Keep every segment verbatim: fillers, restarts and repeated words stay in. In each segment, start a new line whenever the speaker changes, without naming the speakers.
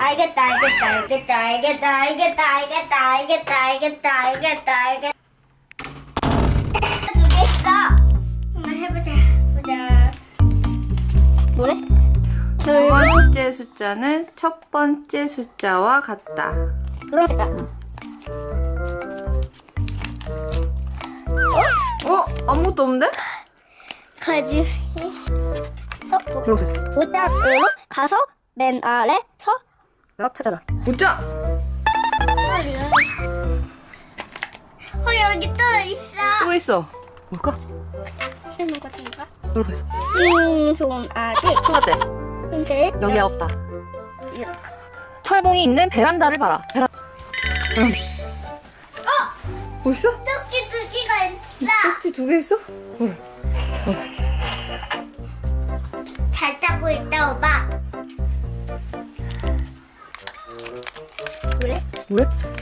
알겠다, 알겠다, 알겠다, 알겠다, 알겠다, 알겠다, 알겠다, 알겠다, 알겠다, 알겠다. 두 개 있어. 한번 해보자, 보자. 뭐래?
두 번째 숫자는 첫 번째 숫자와 같다.
그러니까.
어? 아무것도 없는데?
가지. 어,
이렇게 해서
보따리로 가서 맨 아래 서.
랍 찾아라. 보자!
어, 여기 또 있어.
또 있어. 뭘까?
이런 거 같은 거.
이렇게 해서
음, 좋은 아직.
초가대.
근데
여기 없다.
이렇게.
철봉이 있는 베란다를 봐라. 베란. 응.
어,
뭐 있어?
토끼 두 개가 있어.
꼭지 두 개 있어? 응.
잘 타고 있다, 오빠. 그래?
왜?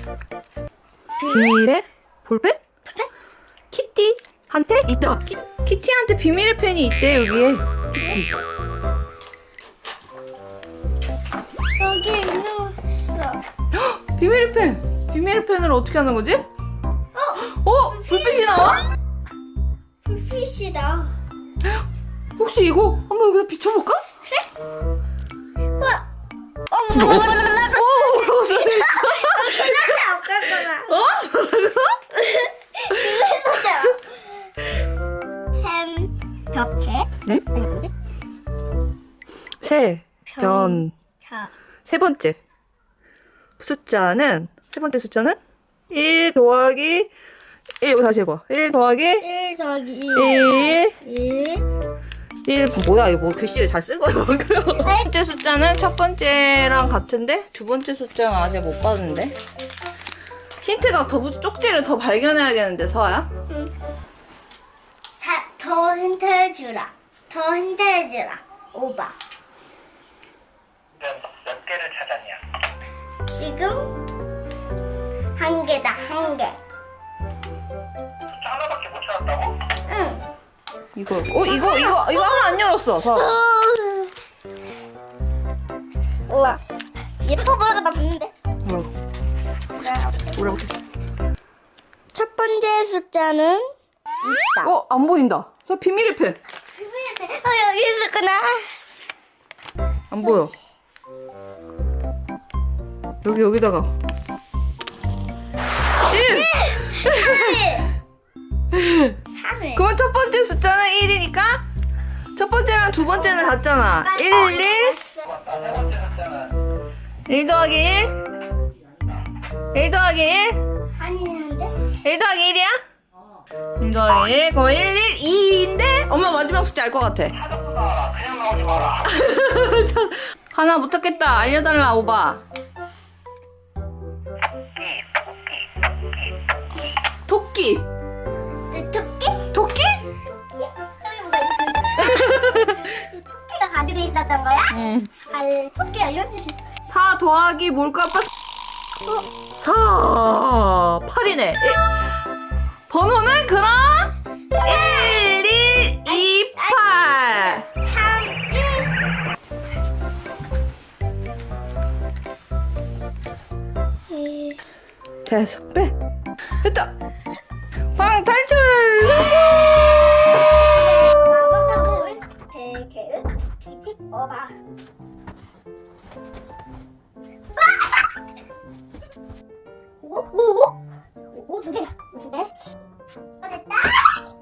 비밀의 볼펜? 키티한테 있다. 키, 키티한테 비밀의 펜이 있대 여기에. 키티.
여기 있어.
헉, 비밀의 펜. 비밀의 펜을 어떻게 하는 거지?
어,
어? 불빛이 나와?
불빛이다.
혹시 이거 한번 여기다 비춰볼까?
우와. 어머, 어머, 어머, 어머.
오, 무서웠어.
그런데 없겠구나.
어?
해보자. 샘, 벽해.
네?
아니, 뭐지?
세, 변,
자,
세 번째 숫자는 세 번째 숫자는 일 더하기 일. 이거 다시 해봐. 일 더하기
일 더하기
일.
일.
일. 뭐야 이거 뭐 글씨를 잘 쓴 거야 방금. 첫 번째 숫자는 첫 번째랑 같은데 두 번째 숫자는 아직 못 봤는데. 힌트가 더 부- 쪽지를 더 발견해야겠는데 서아야.
자, 더 힌트 해주라. 더 힌트 해주라. 오바.
몇 개를 찾았냐?
지금 한 개다, 한 개.
숫자 하나밖에 못 찾았다고?
응.
이거 어 이거 이거 이거 하나 안 열었어 서아.
우와. 예뻐 보라가 나 붙는데.
뭐라고? 뭐라고?
첫 번째 숫자는 있다.
어 안 보인다. 저 비밀의 펜.
어, 여기 있었구나.
안 보여. 여기 여기다가 일.
삼 일.
그럼 첫 번째 숫자는 일이니까 첫 번째랑 두 번째는 같잖아. 일, 일.
세 번째 숫자는
일 더하기 일. 일 더하기 일.
아니는데?
일 더하기 일이야? 일 더하기 일. 그럼 일, 일, 이인데 엄마 마지막 숫자 알 것 같아.
찾았구나. 그냥 나오지 마라.
하나 못하겠다. 알려달라 오바. 토끼.
내 토끼?
토끼?
토끼가 가지고 있었던 거야?
응.
알, 토끼 알려주시.
사 더하기 뭘까? 아빠? 사. 팔이네. 번호는 그럼 일, 일, 이, 팔.
삼, 일. 일.
계속 빼. 됐다. 방 탈출.
마법을 베개를 뒤집어봐. 오, 오, 오, 오, 두 개야, 두 개. 어, 됐다.